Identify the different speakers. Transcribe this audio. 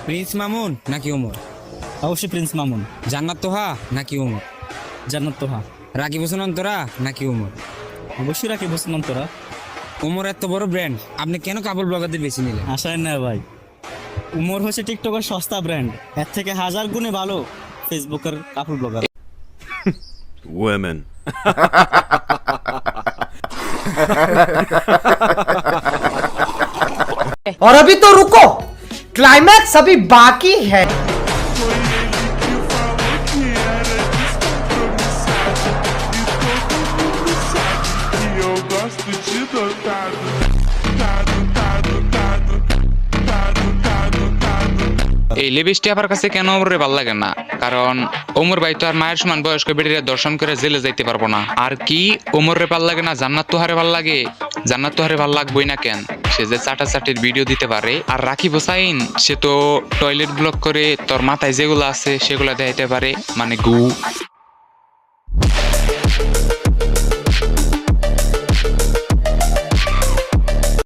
Speaker 1: Prince Mamun নাকি ওমর?
Speaker 2: অবশ্যই Prince Mamun.
Speaker 1: জান্নাত তোহা নাকি ওমর?
Speaker 2: জান্নাত তোহা।
Speaker 1: রাকিব হোসেন অন্তরা নাকি ওমর?
Speaker 2: অবশ্যই রাকিব হোসেন অন্তরা।
Speaker 1: ওমর এত বড় ব্র্যান্ড, আপনি কেন কাপড় ব্লগারদের বেছে নিলেন?
Speaker 2: আশায় না ভাই, উমর হচ্ছে টিকটকের সস্তা ব্র্যান্ড, এর থেকে হাজার গুণে ভালো ফেসবুকের কাপড় ব্লগার।
Speaker 3: Women.
Speaker 4: और अभी तो रुको, क्लाइमैक्स अभी बाकी है।
Speaker 5: Eu gosto de dotado.
Speaker 6: এই লিপস্টি আমার কাছে কেন ওমরে ভালো লাগে না, কারণ ওমর ভাই তো আর মায়ের সমান বয়স্ক বেটিরে দর্শন করে জেলে যাইতে পারবো না। আর কি ওমরে ভাল লাগে না, জান্নাত তোহারে ভাল লাগে? জান্নাত তোহারে ভাল লাগবেই না কেন? সে যে চাটাচাটির ভিডিও দিতে পারে। আর রাকিব হোসাইন সে তো টয়লেট ব্লক করে তোর মাথায় যেগুলো আছে সেগুলো দেখাইতে পারে, মানে গু।